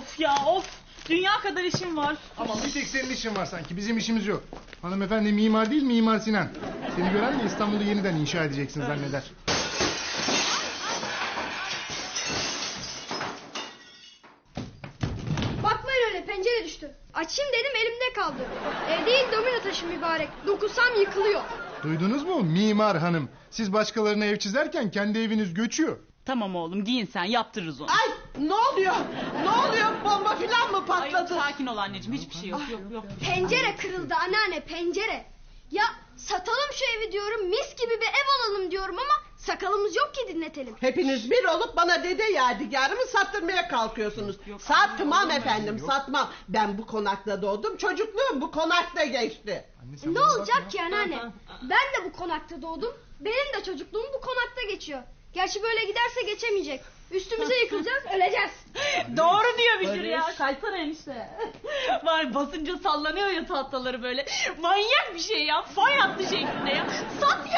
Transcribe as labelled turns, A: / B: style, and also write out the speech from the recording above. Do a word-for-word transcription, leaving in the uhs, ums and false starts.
A: Of ya of. Dünya kadar işim var.
B: Ama bir tek senin işin var sanki. Bizim işimiz yok. Hanımefendi mimar değil, Mimar Sinan. Seni gören de İstanbul'u yeniden inşa edeceksin zanneder.
C: Bakmayın öyle, pencere düştü. Açayım dedim, elimde kaldı. Ev değil, domino taşı mübarek. Dokunsam yıkılıyor.
B: Duydunuz mu Mimar Hanım? Siz başkalarına ev çizerken kendi eviniz göçüyor.
A: Tamam oğlum, giyin sen, yaptırırız onu.
D: Ay ne oluyor? Ne oluyor? Bomba filan mı
A: Ay,
D: patladı?
A: sakin ol anneciğim, hiçbir şey yok. Yok yok.
C: Pencere kırıldı anneanne, pencere. Ya satalım şu evi diyorum, mis gibi bir ev alalım diyorum ama sakalımız yok ki dinletelim.
D: Hepiniz bir olup bana dede yadigarımı sattırmaya kalkıyorsunuz.
A: Yok,
D: Satmam
A: yok,
D: efendim,
B: yok.
D: satmam. Ben bu konakta doğdum, çocukluğum bu konakta geçti.
B: Anne, sen
C: Ne
B: bana
C: olacak
B: bakma.
C: ki anneanne? Ben de bu konakta doğdum. Benim de çocukluğum bu konakta geçiyor. Gerçi böyle giderse geçemeyecek. Üstümüze yıkılacağız, öleceğiz.
A: Doğru diyor Bişir
D: Barış.
A: ya. Kaysana enişte. Var basınca sallanıyor ya tahtaları böyle. Manyak bir şey ya. Fay hattı şeklinde ya. Sat